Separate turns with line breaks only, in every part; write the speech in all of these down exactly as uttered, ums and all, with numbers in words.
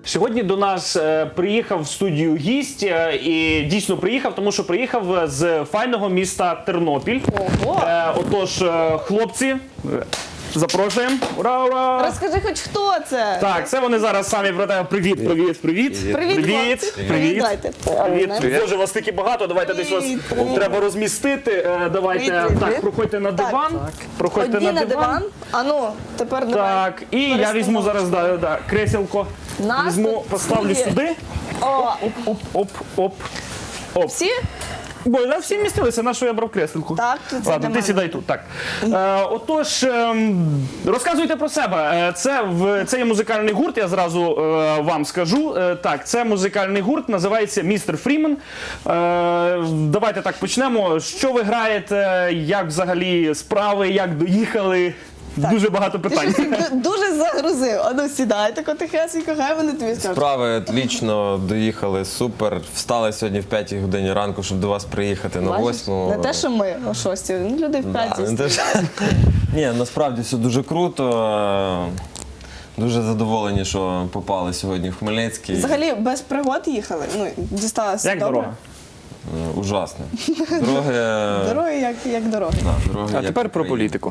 Сьогодні до нас е, приїхав в студію гість, е, і дійсно приїхав, тому що приїхав з файного міста Тернопіль.
Ого!
Е, отож, е, хлопці, е, запрошуємо. Ура, ура!
Розкажи хоч хто це?
Так, це вони зараз самі про тебе. Привіт, привіт, привіт.
Привіт,
Привіт,
хлопці.
привіт.
Дайте.
Привіт.
Привіт.
Боже, вас таки багато, давайте десь вас
Привіт, привіт.
треба розмістити. Е, Давайте,
Привіт, привіт,
так,
привіт.
проходьте на
Так.
диван. Проходьте
Одні на диван. А ну, тепер давай.
Так, і я візьму зараз да, да, креселко.
Нас
Візьму,
тут
поставлю
є.
сюди.
О,
Оп, оп, оп, оп.
всі?
Бо да, всі містилися, на що я брав креселку.
Так, тут це
Ладно,
для
ти
мене.
сідай тут. Так. Е, отож, ем, розказуйте про себе. Е, Це, в, це є музикальний гурт, я зразу е, вам скажу. Е, так, це музикальний гурт, називається містер Фрімен. Е, давайте так почнемо. Що ви граєте, як взагалі справи, як доїхали? Дуже багато
Ти
питань.
щось ду- дуже загрузив. А ну сідай, тако тихесенько, хай вони тобі скажуть.
Справи отлично, доїхали, супер. Встали сьогодні в п'ятій годині ранку, щоб до вас приїхати на
Бачиш?
восьму.
Не те, що ми о шостій, ну, люди в
Да,
п'ятій.
не те, що- Ні, насправді все дуже круто. Дуже задоволені, що попали сьогодні в Хмельницький.
Взагалі без пригод їхали. Ну, дісталося
Як
добре.
дорога?
Е, Ужасно. Дороги...
Дороги як, як дороги.
Да, дороги
А
як
тепер про
Україна.
політику.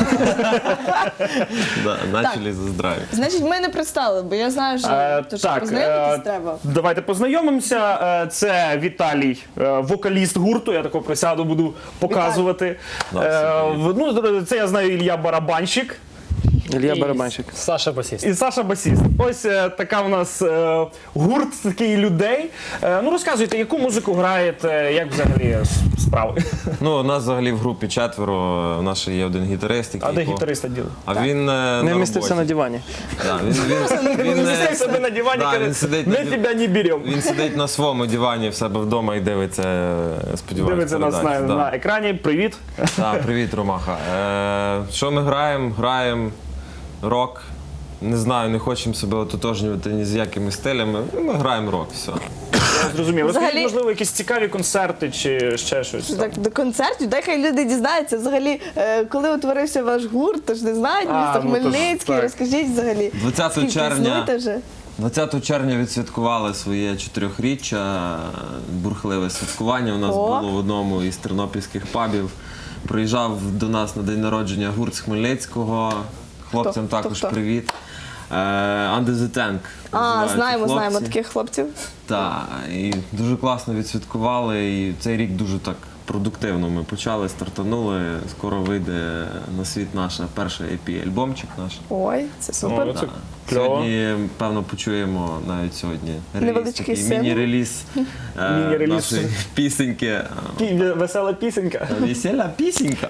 Да, начали за здрав'я.
Значить, ми не представили, бо я знаю, що,
Е,
то, що
так,
познайомитись
е,
треба.
давайте познайомимося. Е, Це Віталій, е, вокаліст гурту. Я тако присяду, буду показувати.
Да,
Е,
всім
в- ну, це я знаю Ілля Барабанщик
Ілля
І-
Барабанщик.
Саша басіст.
і Саша басіст. Ось е, така у нас е, гурт такий людей. Е, ну розказуйте, яку музику граєте, як взагалі с- справи?
Ну, у нас взагалі в групі четверо, у нас ще є один гітарист, який...
А де
по-
гітариста діли?
А він е,
Не
на
вмістився на
роботі.
дивані.
Да, він, він, він,
Він
е,
сидить собі на дивані,
да,
каже,
він сидить
ми
на див-
тебе не беремо.
Він сидить на своєму дивані в себе вдома і дивиться, е, сподіваюся,
Дивиться нас на,
передачу, да.
на екрані. Привіт.
Так, привіт, Ромаха. Е, що ми граємо? Граємо рок. Не знаю, не хочемо себе ототожнювати ні з якими стилями. Ми граємо рок, все.
Зрозумів. Розкажіть,
Взагалі-
можливо, якісь цікаві концерти чи ще щось. там?
Так, до концертів, дай хай люди дізнаються. Взагалі, е, коли утворився ваш гурт, то ж не знають,
А,
місто
ну, то ж
Хмельницький,
так.
розкажіть взагалі.
двадцятого
Скільки
червня
існуєте вже?
двадцятого червня відсвяткували своє чотирьохріччя, бурхливе святкування. У нас
О.
було в одному із тернопільських пабів. Приїжджав до нас на день народження гурт з Хмельницького. Хлопцям
Хто?
також
Хто, хто?
привіт. Е, Under the Tank.
А,
називаються
знаємо,
хлопці.
знаємо таких хлопців.
Так, і дуже класно відсвяткували. І цей рік дуже так продуктивно ми почали, стартанули. Скоро вийде на світ наша перша ай пі-альбомчик наш.
Ой, це супер.
Ну, це
Да.
кльово.
Сьогодні, певно, почуємо навіть сьогодні реліз,
Невеличкий
такий
сингл.
міні-реліз е,
Міні-реліз.
нашої пісеньки.
Пі- Весела пісенька.
Весела пісенька.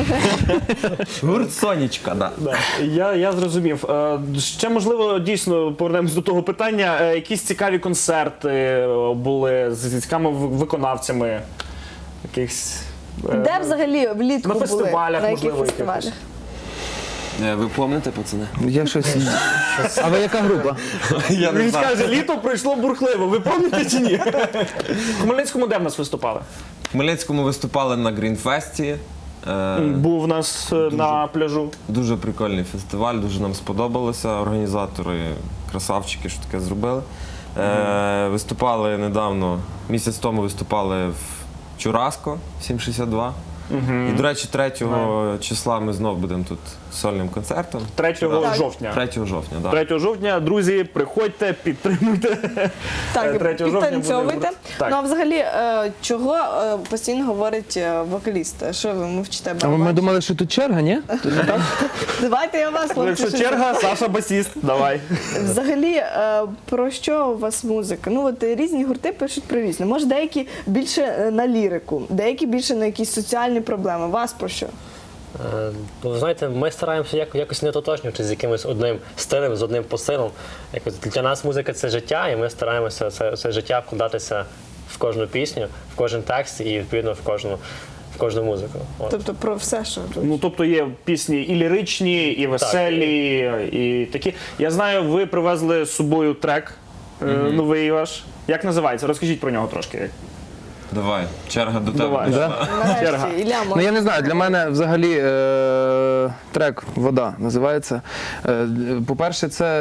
Гурт Сонечка, да.
Да. Я, я зрозумів. Е, Ще, можливо, дійсно повернемось до того питання. Е, Якісь цікаві концерти е, були з цікавими в- виконавцями? Якихось... е,
Де взагалі влітку
на
були?
фестивалях,
На яких
можливо,
фестивалях?
якихось.
Е, Ви пам'ятаєте, пацани?
Я щось. А ви яка група?
Я
Він скаже, літо пройшло бурхливо. Ви пам'ятаєте чи ні? В Хмельницькому де в нас виступали?
В Хмельницькому виступали на Грінфесті. Е,
Був у нас е, на пляжу.
Дуже прикольний фестиваль, дуже нам сподобалося. Організатори, красавчики, що таке зробили. Е, виступали недавно, місяць тому виступали в Чураско сім шістдесят два. І, до речі, третього числа ми знов будемо тут з сольним концертом.
третього
Так.
жовтня.
третього жовтня, так.
третього жовтня, друзі, приходьте, підтримуйте.
Так,
третього жовтня буде
підтанцьовуйте.
гурт. Так.
Ну а взагалі, е, чого е, постійно говорить е, вокаліст? Що ви мовчите?
А ми
барабан?
думали, що тут черга, ні?
Давайте я вас,
Ну,
хлопці.
якщо
щось-
черга, Саша басіст, давай.
Взагалі, е, про що у вас музика? Ну от е, різні гурти пишуть про різне. Може, деякі більше е, на лірику, деякі більше на якісь соціальні проблеми. Вас про що?
Е, Ну, ви знаєте, ми стараємося як- якось не ототожнювати з якимось одним стилем, з одним посилом. Якось для нас музика це життя, і ми стараємося це, це життя вкладатися в кожну пісню, в кожен текст і відповідно в кожну, в кожну музику. От.
Тобто про все, що
Ну, тобто є пісні і ліричні, і веселі, і такі. Я знаю, ви привезли з собою трек е, новий ваш. Як називається? Розкажіть про нього трошки.
Давай, черга до тебе.
Давай.
дійшла.
Да?
Черга.
Нарешті, Ілля,
Ну
може.
я не знаю, для мене взагалі е- трек Вода називається. Е, По-перше, це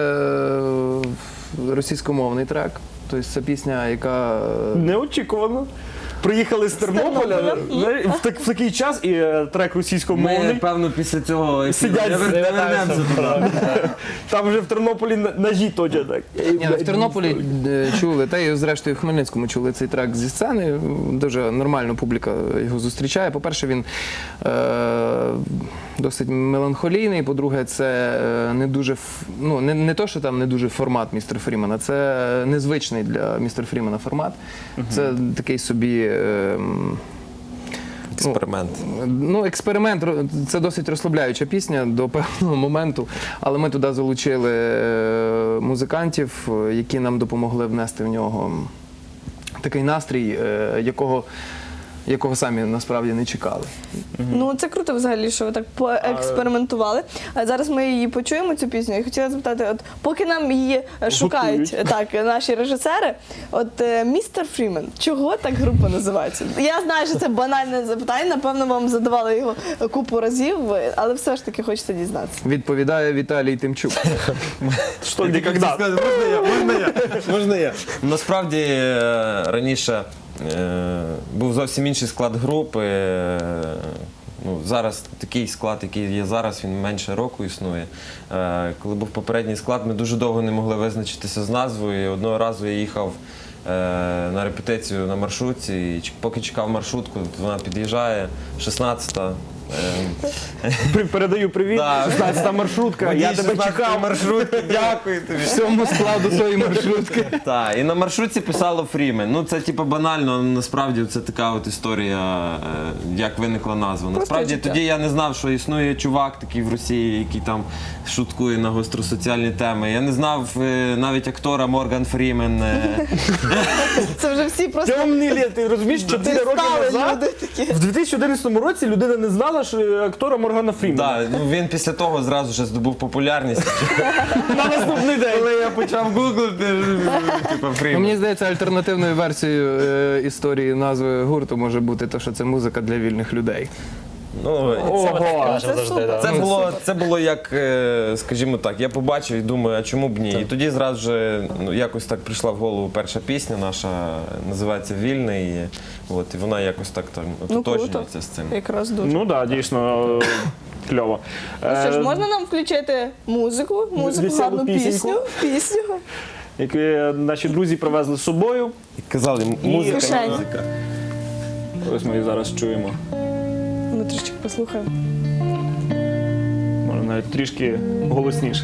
е, російськомовний трек. Тобто це пісня, яка е,
Неочікувано. Приїхали з Тернополя
Тернополя.
знаєш, в, так, в такий час і е, трек
Ми,
російськомовний.
певно, після цього ефіру
Сидять,
не вер- не вернемося туди.
Там вже в Тернополі на- ножі точать так.
Ні, ну, в Тернополі е, чули, та й зрештою в Хмельницькому чули цей трек зі сцени. Дуже нормально публіка його зустрічає. По-перше, він е, досить меланхолійний. По-друге, це е, не дуже ф- ну, не, не то, що там не дуже формат містера Фрімена, це незвичний для містера Фрімена формат. Це такий собі. е, м,
Експеримент.
Ну, експеримент, ро- це досить розслабляюча пісня до певного моменту, але ми туди залучили е, музикантів, е, які нам допомогли внести в нього такий настрій, е, якого, якого самі насправді не чекали.
Ну це круто взагалі, що ви так поекспериментували. А зараз ми її почуємо, цю пісню. І хотіла запитати, от поки нам її е, шукають так, наші режисери, от е, містер Фрімен, чого так група називається? Я знаю, що це банальне запитання, напевно, вам задавали його купу разів, але все ж таки хочеться дізнатися.
Відповідає Віталій Тимчук.
Що, де, когда?
Можна я? Можна я? Можна я? Насправді е, раніше е, був зовсім інший склад групи. е, Ну, зараз такий склад, який є зараз, він менше року існує. Е, Коли був попередній склад, ми дуже довго не могли визначитися з назвою. І одного разу я їхав е, на репетицію на маршрутці, і ч- поки чекав маршрутку, вона під'їжджає, шістнадцята. е,
При- Передаю привіт.
Да.
шістнадцята маршрутка. Я тебе чекав.
маршрутки, дякую тобі.
Всьому складу тої маршрутки.
Так, і на маршрутці писало Фрімен. Ну це типу банально, але насправді це така от історія, е, як виникла назва. Насправді
життя.
тоді я не знав, що існує чувак такий в Росії, який там шуткує на гостросоціальні теми. Я не знав е, навіть актора Морган Фрімен. е.
Це вже всі просто
Темний літ, ти розумієш, чотири роки
стали
назад,
люди такі.
в дві тисячі одинадцятому році людина не знала, що актора Моргана Фрімена.
Да, ну, він після того зразу ж здобув популярність.
На наступний день.
Коли я почав гуглити, типу
Ну,
Фрімен.
мені здається, альтернативною версією е, історії назви гурту може бути те, що це музика для вільних людей.
Ну,
Це ми так
Ого.
кажемо
Це
завжди.
супер.
да.
Це було, це було як, е, скажімо так, я побачив і думаю, а чому б ні? І тоді зразу же ну, якось так прийшла в голову перша пісня наша, називається Вільний. І, от, і вона якось так там
Ну,
ототожнюється з цим.
Якраз дуже.
Ну так, да, дійсно е, кльово.
Ну що ж,
Е,
можна нам включити музику, музику,
Веселу
гарну
пісеньку.
пісню, пісню.
Які наші друзі привезли з собою.
І казали, музика,
Кишень.
музика.
Ось ми її зараз чуємо.
Ми трішки послухаємо.
Може навіть трішки голосніше.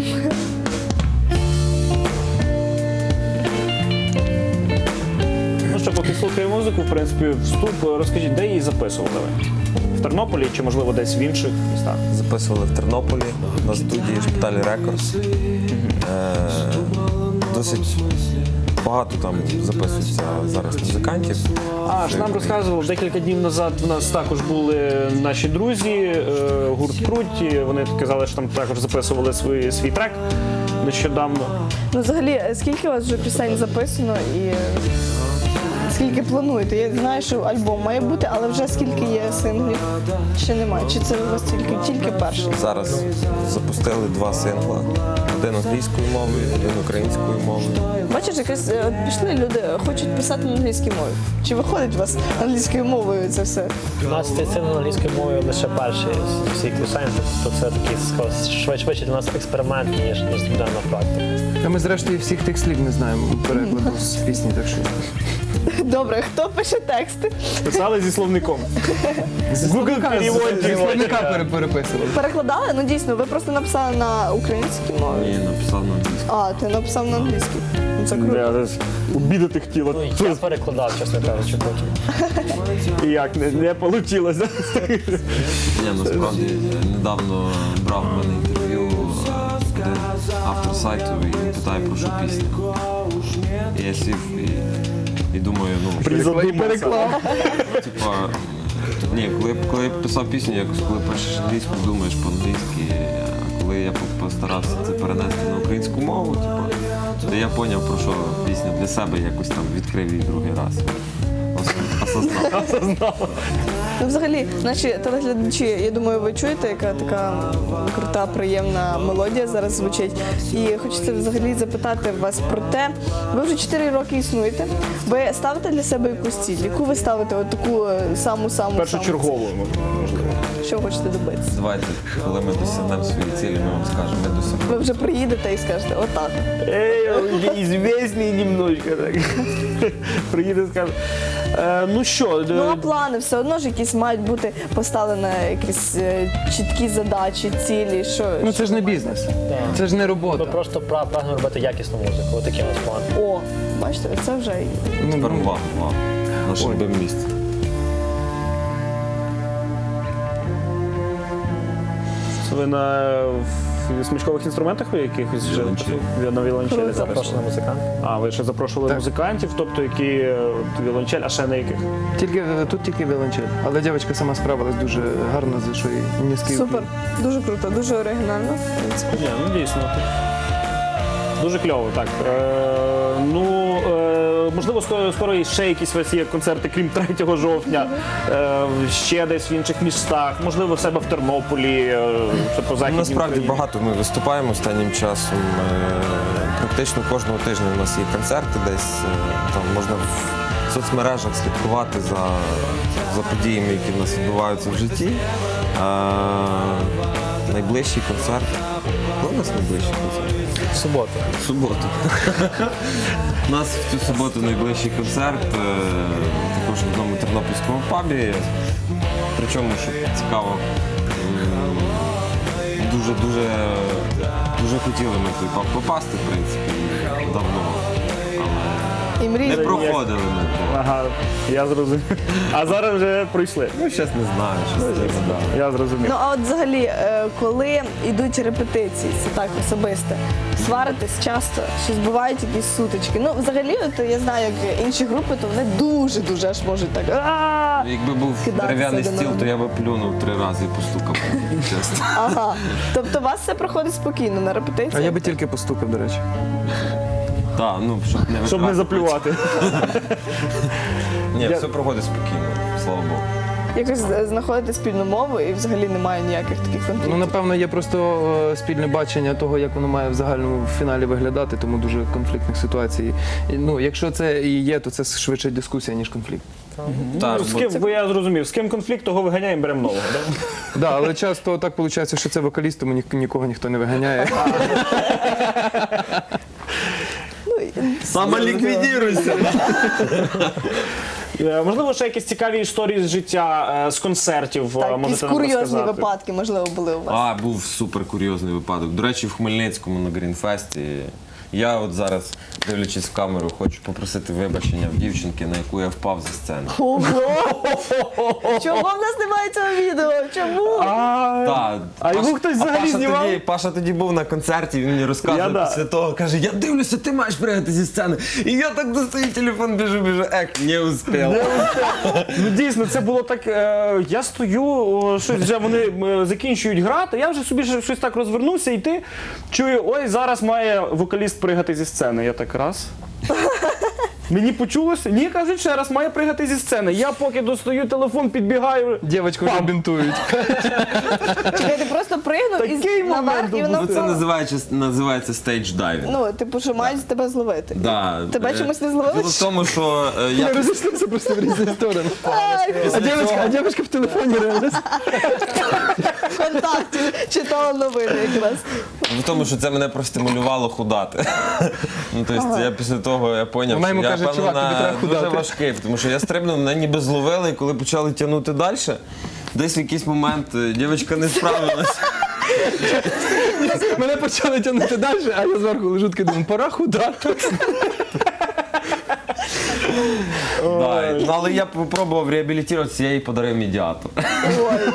Ну що, поки слухаємо музику, в принципі, вступ. Розкажіть, де її записували ви? В Тернополі чи, можливо, десь в інших містах?
Записували в Тернополі на студії Шпиталі Рекордс. Е, досить багато там записується зараз музикантів.
А, ж нам розказував, декілька днів назад в нас також були наші друзі, е, гурт Круть, і вони казали, що там також записували свій, свій трек нещодавно.
Ну, взагалі, скільки у вас вже пісень записано і е, скільки плануєте? Я знаю, що альбом має бути, але вже скільки є синглів? Ще немає. Чи це у вас тільки, тільки перший?
Зараз запустили два сингла. Один англійською мовою, один українською мовою.
Бачиш, якось е, от пішли люди, хочуть писати на англійській мові. Чи виходить у вас англійською мовою це все?
У нас цей син англійською мовою лише перший з всіх пісень, тобто це такий скоріше, швидше швидше для нас експеримент, ніж, ніж буденна практика.
Та ми зрештою всіх тих слів не знаємо перекладу з пісні, так що.
Добре, хто пише тексти?
Писали зі словником. Google переводчик.
Словника пере- переписували.
Перекладали? Ну дійсно, ви просто написали на українській мові.
І написав на англійській.
А, ти написав на англійській. Ну, це круто.
Я зараз обідати хотіла.
Ну, я перекладав, чесно кажучи, потім.
І як, не, не вийшло.
Ні, насправді недавно брав в мене інтерв'ю е, один автор сайту, і він питає, про що пісня. І я сів і, і думаю, ну,
Переклав.
типа, ні, коли, я- коли я писав пісню, якось коли пишеш англійську, думаєш по-англійськи, а коли я по- постарався це перенести на українську мову, типа, то я зрозумів, про що пісня для себе якось там відкрив її другий раз. Ось. осознала.
Ну, взагалі, наші телеглядачі, я думаю, ви чуєте, яка така крута, приємна мелодія зараз звучить. І хочеться взагалі запитати вас про те, ви вже чотири роки існуєте, ви ставите для себе якусь ціль? Яку ви ставите от таку саму-саму?
Першочергово, можливо.
Що ви хочете добитися?
Давайте, коли ми досягнемо свої цілі, ми вам скажемо, ми досягнемо.
Ви вже приїдете і скажете, отак.
Ей, известний немножко так. Приїде, скаже. Е, ну що,
Ну, а
е,
плани все одно ж якісь мають бути поставлені якісь е, чіткі задачі, цілі, що...
Ну це ж не бізнес, це ж не
Ми
робота.
просто пра- прагнемо робити якісну музику. Отакі у нас плани.
О, бачите, це вже...
Ну,
Тепер увага, увага. Наше
Ой.
любиме місце.
це ви на в смичкових інструментах ви якихось вже
Віолончелі.
Ви на віолончелі
Круто.
записували?
Запрошена музикант.
А, ви ще запрошували
Так.
музикантів, тобто які е, от віолончель, а ще на яких?
Тільки е, тут тільки віолончель. Але дівчинка сама справилась дуже гарно, за що їй низький
Супер,
уклін.
дуже круто, дуже оригінально. в принципі.
Ні, ну дійсно. Дуже кльово, так. Е, ну, е, можливо, скоро, скоро ще якісь у вас є концерти, крім третього жовтня, е, ще десь в інших містах, можливо, в себе в Тернополі, е, ще по
Ну,
західній
насправді
Україні.
багато ми виступаємо останнім часом. Е, Практично кожного тижня у нас є концерти десь. е, Там можна в соцмережах слідкувати за, за подіями, які в нас відбуваються в житті. Е, Найближчий концерт. Коли у нас найближчий концерт?
В суботу.
В суботу. У нас в цю суботу найближчий концерт, е, також в одному тернопільському пабі. Причому, що цікаво, м, дуже-дуже дуже хотіли ми в той паб попасти, в принципі, давно.
І
Але не
мрії.
проходили ми.
Ага, я зрозумів. А зараз вже пройшли.
Ну, щас не знаю, щось не знаю.
Я зрозумів.
Ну, а от взагалі, е, коли йдуть репетиції, це так особисте, сваритесь часто, чи збувають якісь сутички? Ну, взагалі, от я знаю, як інші групи, то вони дуже-дуже аж можуть так. «А-а-а!»
Якби був
Кидатися
дерев'яний
один
стіл,
на
то я би плюнув три рази і постукав. Чесно.
Ага. Тобто у вас все проходить спокійно на репетиції?
А я би тільки постукав, до речі.
Так, ну, щоб не
Щоб не
витрати.
заплювати.
Ні,
Я-
все проходить спокійно, слава Богу.
Якось е, знаходите спільну мову і взагалі немає ніяких таких
Ну,
конфліктів?
напевно, є просто е, спільне бачення того, як воно має в загальному фіналі виглядати, тому дуже конфліктних ситуацій. І, ну, якщо це і є, то це швидше дискусія, ніж конфлікт.
Так,
Ну, з
бо-
ким, бо я зрозумів, з ким конфлікт, того виганяємо, беремо нового. Да?
Да, але часто так виходить, що це вокаліст, тому ні- нікого ніхто не виганяє.
Самоліквідіруйся!
Е, Можливо, ще якісь цікаві історії з життя, е, з концертів, е,
Так, якісь
можете нам
курйозні
розказати.
випадки, можливо, були у вас.
А, був супер курйозний випадок. До речі, в Хмельницькому на Грінфесті. Я от зараз, дивлячись в камеру, хочу попросити вибачення в дівчинки, на яку я впав зі сцени.
Ого! Чому в нас немає цього відео? Чому?
А,
Та,
А його хтось взагалі
Паша
знімав?
Тоді, Паша тоді був на концерті, він мені розказує
Я да.
після того, каже, я дивлюся, ти маєш пригати зі сцени. І я так достаю телефон, біжу, біжу, ек, не успів.
Ну дійсно, це було так. Е, я стою, о, щось вже вони е, закінчують грати. Я вже собі ще щось так розвернувся, і ти чую, ой, зараз має вокаліст пригати зі сцени. Я так раз. Мені почулося? Ні, кажуть, ще раз має пригати зі сцени. Я поки достаю телефон, підбігаю.
Дівчинку вже бінтують.
Чекай, ти просто пригнув
Такий
і наверх,
момент
і воно
Ну, це
впало.
називається, називається стейдж дайвінг.
Ну, типу, що мають тебе зловити.
Да.
Тебе
Е,
чомусь не зловили?
Діло в тому, що е,
Ми
я
розійшлися просто в різні сторони.
Ай,
А дівчинка, а дівчинка в телефоні реально.
ВКонтакті читала новини якраз.
в тому, що це мене простимулювало худати. Ну, тобто, я після того я поняв,
Вона
що
йому
я,
каже,
певно,
«Чувак, тобі
на
треба
дуже
худати».
важкий, тому що я стрибнув, мене ніби зловили, і коли почали тягнути далі, десь в якийсь момент е, дівчинка не справилася.
Мене почали тягнути далі, а я зверху лежу такий, думаю, пора худати.
Да, ну, але я спробував реабілітуватися, я їй подарив медіатор.
Ой.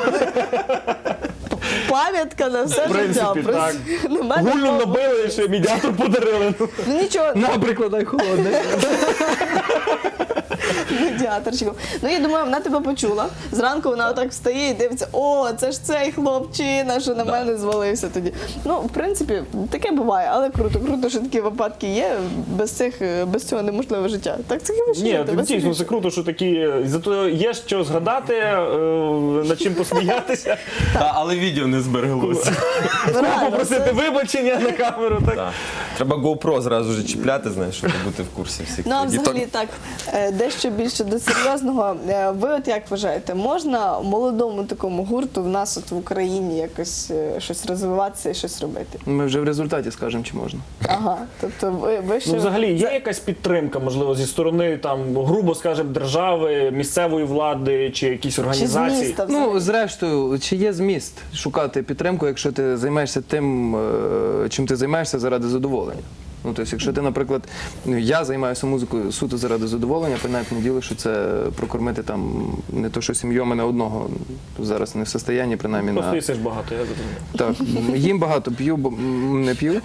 Пам'ятка на все
В принципі,
життя.
так.
На мене
Гулю
було-
набили, і ще медіатор подарили.
Ну, нічого,
На, прикладай холодне.
Медіаторчиком. Ну, я думаю, вона тебе почула. Зранку вона отак встає і дивиться, о, це ж цей хлопчина, що на мене звалився тоді. Ну, в принципі, таке буває, але круто. Круто, що такі випадки є. Без цих, без цього неможливе життя. Так це
Ні,
жити, без
дійсно,
цих-
це круто, що такі, зато є що згадати, е, над чим посміятися,
Та, але відео не збереглося.
Реально,
попросити
це-
вибачення на камеру. Так?
Так. Треба GoPro зразу ж чіпляти, знаєш, щоб бути в курсі всіх.
Ну, а
Діток.
взагалі так, е, дещо більше до серйозного. Е, Ви от як вважаєте, можна молодому такому гурту в нас от в Україні якось е, щось розвиватися і щось робити?
Ми вже в результаті скажемо, чи можна.
Ага, тобто ви, ви ще...
Ну, взагалі, є якась підтримка, можливо, зі сторони, там, грубо скажемо, держави, місцевої влади чи якісь
Чи з
організації?
міста взагалі?
Ну, зрештою, чи є зміст шукати підтримку, якщо ти займаєшся тим, е, чим ти займаєшся заради задоволення? Ну, тобто, якщо ти, наприклад, ну, я займаюся музикою суто заради задоволення, понятне діло, що це прокормити там не то, що сім'ю, а мене одного зараз не в состоянні, принаймні,
Просто
на...
їсиш багато, я зрозумів.
Так, їм багато, п'ю, бо м, не п'ю.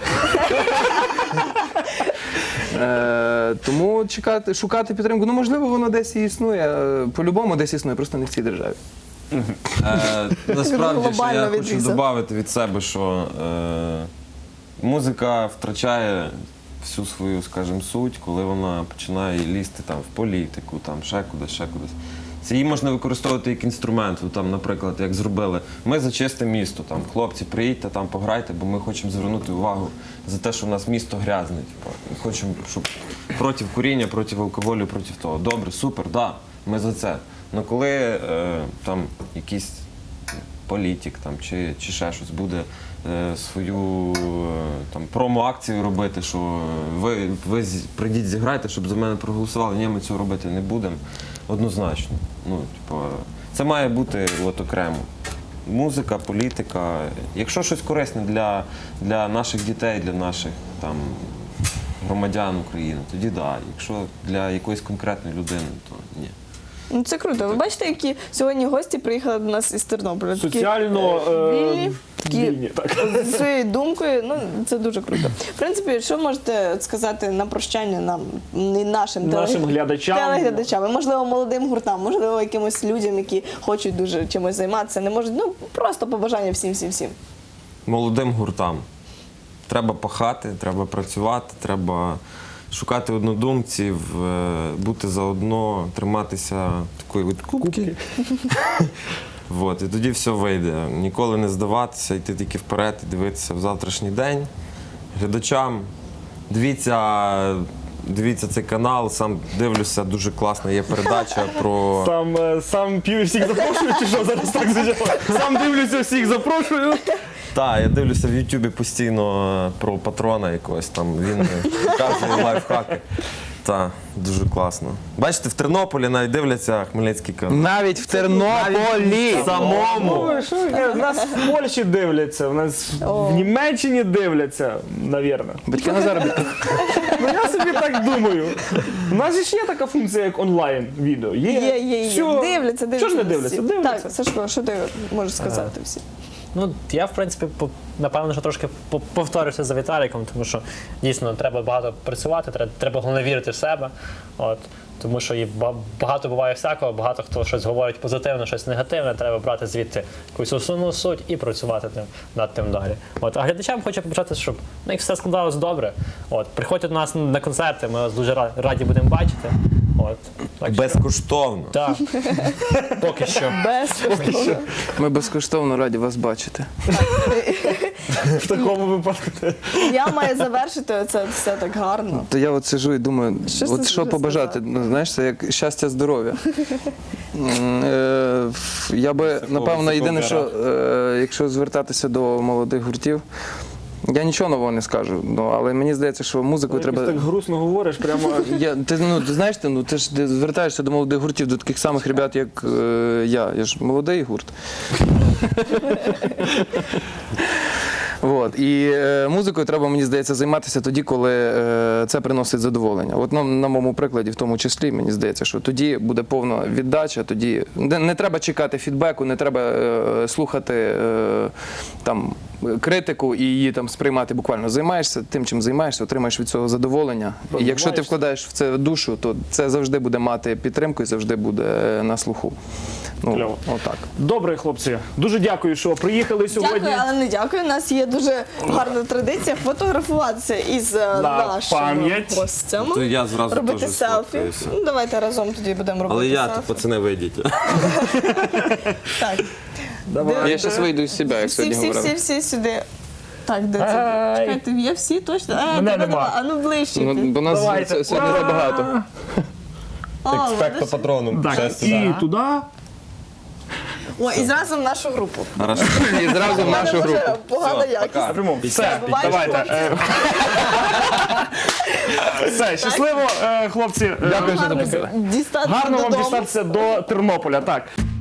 Е, тому чекати, шукати підтримку, ну можливо, воно десь і існує. е, По-любому десь існує, просто не в цій державі.
Е, Насправді, що
Глобально
я хочу
відрізав.
додати від себе, що е, музика втрачає всю свою, скажімо, суть, коли вона починає лізти там в політику, там ще кудись, ще кудись. Це її можна використовувати як інструмент, ну, там, наприклад, як зробили. Ми за чисте місто, там, хлопці, приїдьте там, пограйте, бо ми хочемо звернути увагу за те, що в нас місто грязне. Типу. Ми хочемо, щоб проти куріння, проти алкоголю, проти того. Добре, супер, да, ми за це. Але коли е, там якийсь політик там, чи, чи ще щось буде е, свою е, там, промо-акцію робити, що ви, ви з- прийдіть зіграйте, щоб за мене проголосували, ні, ми цього робити не будемо. Однозначно. Ну, типу, це має бути от, окремо. Музика, політика. Якщо щось корисне для, для наших дітей, для наших там, громадян України, тоді так. Да. Якщо для якоїсь конкретної людини, то ні.
Ну, це круто. Ви бачите, які сьогодні гості приїхали до нас із Тернополя? Такі,
Соціально
е,
е,
вільні, такі
вільні, так.
зі своєю думкою. Ну, це дуже круто. В принципі, що можете от сказати на прощання нам, не нашим,
Нашим
телег-
глядачам.
телеглядачам, і, можливо, молодим гуртам, можливо, якимось людям, які хочуть дуже чимось займатися, не можуть, ну, просто побажання всім-всім-всім.
Молодим гуртам. Треба пахати, треба працювати, треба шукати однодумців, е, бути заодно, триматися такої от кубки. Вот, і тоді все вийде. Ніколи не здаватися, йти тільки вперед і дивитися в завтрашній день. Глядачам, дивіться, дивіться цей канал, сам дивлюся, дуже класна є передача про...
Сам, е, сам п'ю і всіх запрошую, чи що зараз так звучало? Сам дивлюся, всіх запрошую.
Так, я дивлюся в Ютубі постійно е, про патрона якогось там, він е, показує лайфхаки. Так, дуже класно. Бачите, в Тернополі навіть дивляться Хмельницький канал.
Навіть в Тернополі!
Самому!
Ну, що, е, нас в Польщі дивляться, в нас в Німеччині дивляться, навірно.
Батьки на заробітку.
Ну я собі так думаю. У нас же ж є така функція, як онлайн відео. Є,
Є, є, є.
Всьо.
Дивляться, дивляться.
Чого ж не дивляться?
всі.
Дивляться.
Так, Сашко, що ти можеш сказати всім?
Ну, я, в принципі, по- напевно, що трошки по- повторюся за Віталіком, тому що дійсно треба багато працювати, треба, треба головне вірити в себе. От, тому що і ба- багато буває всякого, багато хто щось говорить позитивне, щось негативне, треба брати звідти якусь основну суть і працювати тим, над тим далі. От, а глядачам хочу побажати, щоб ну, як все складалось добре. От, приходьте до нас на концерти, ми вас дуже ра- раді будемо бачити. От, так що-
Безкоштовно.
Так, поки що.
Безкоштовно.
Ми безкоштовно раді вас бачити.
В такому випадку.
Я маю завершити це все так гарно.
То я от сижу і думаю,
Що
от
це
що
вже
побажати?
сказати?
Ну, знаєш, це як щастя, здоров'я. М, е, ф- Я би, напевно, єдине, що е, якщо звертатися до молодих гуртів, я нічого нового не скажу, ну, але мені здається, що музику
Якось
треба.
так грустно говориш, прямо.
Я, ти, ну, ти знаєш, ти, ну, ти ж ти звертаєшся до молодих гуртів, до таких самих ребят, як е, я. Я ж молодий гурт. От. І е, музикою треба, мені здається, займатися тоді, коли е, це приносить задоволення. От на, на моєму прикладі, в тому числі, мені здається, що тоді буде повна віддача, тоді не, не треба чекати фідбеку, не треба е, слухати е, там критику і її там сприймати буквально. Займаєшся тим, чим займаєшся, отримаєш від цього задоволення. І якщо ти вкладаєш в це душу, то це завжди буде мати підтримку і завжди буде на слуху. Ну,
Кльово.
отак.
Добре, хлопці. Дуже дякую, що приїхали сьогодні.
Дякую, але не дякую. У нас є дуже гарна традиція фотографуватися із е,
На
нашими
пам'ять.
гостями.
То я зразу
робити
теж
селфі.
сфоткаюся.
Ну, давайте разом тоді будемо робити
Але я,
селфі.
пацани, вийдіть.
Так.
Я зараз вийду із себе, як
Всі,
сьогодні
всі,
говорили.
всі, всі сюди. Так, де це?
Ай.
Чекайте, є всі точно? А,
Мене
тебе
нема.
А ну ближче.
Ну, бо нас
Давайте.
сьогодні
Ура!
багато.
О,
Експекто
видиш?
патроном.
Так, і туди.
О, і зразу в нашу групу.
Хорошо.
І зразу в
У мене
нашу групу.
вже погана
Все,
якість.
пока.
Напряму. Все,
Бувайте,
давайте. Е, Все, щасливо, е, хлопці. Е,
Дякую, що
Гарно
запросили.
дістатися
Гарно вам
додому.
дістатися до Тернополя. Так.